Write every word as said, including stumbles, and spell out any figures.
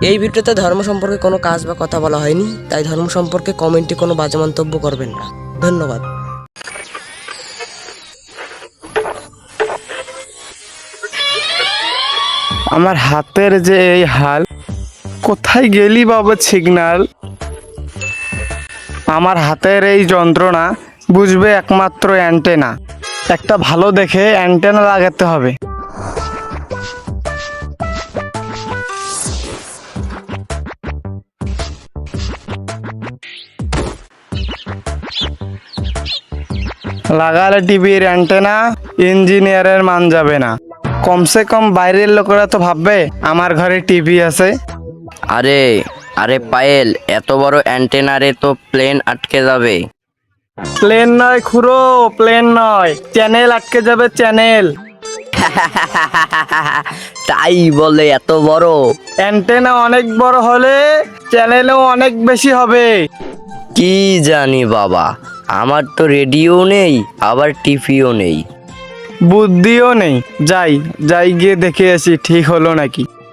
এই ভিডিওতে ধর্ম সম্পর্কে কোনো কাজ বা কথা বলা হয়নি, তাই ধর্ম সম্পর্কে কমেন্টে কোনো বাজে মন্তব্য করবেন না। ধন্যবাদ। আমার হাতের যে এই হাল, কোথায় গেলি বাবা সিগন্যাল? আমার হাতের এই যন্ত্রণা বুঝবে একমাত্র অ্যান্টেনা। একটা ভালো দেখে অ্যান্টেনা লাগাতে হবে। লাগালে টিভির অ্যান্টেনা, ইঞ্জিনিয়ারের মান যাবে না। কমসে কম বাইরের লোকেরা তো ভাববে আমার ঘরে টিভি আছে। আরে আরে পায়েল, এত বড় অ্যান্টেনারে তো প্লেন আটকে যাবে। প্লেন নয় খুড়ো, প্লেন নয়, চ্যানেল আটকে যাবে, চ্যানেল। তাই বলে এত বড় অ্যান্টেনা অনেক বড় হলে চ্যানেলও অনেক বেশি হবে। কি জানি বাবা, আমার তো রেডিও নেই, আবার টিভিও নেই। বুদ্ধিও নেই। যাই যাই গিয়ে দেখে আসি ঠিক হলো নাকি।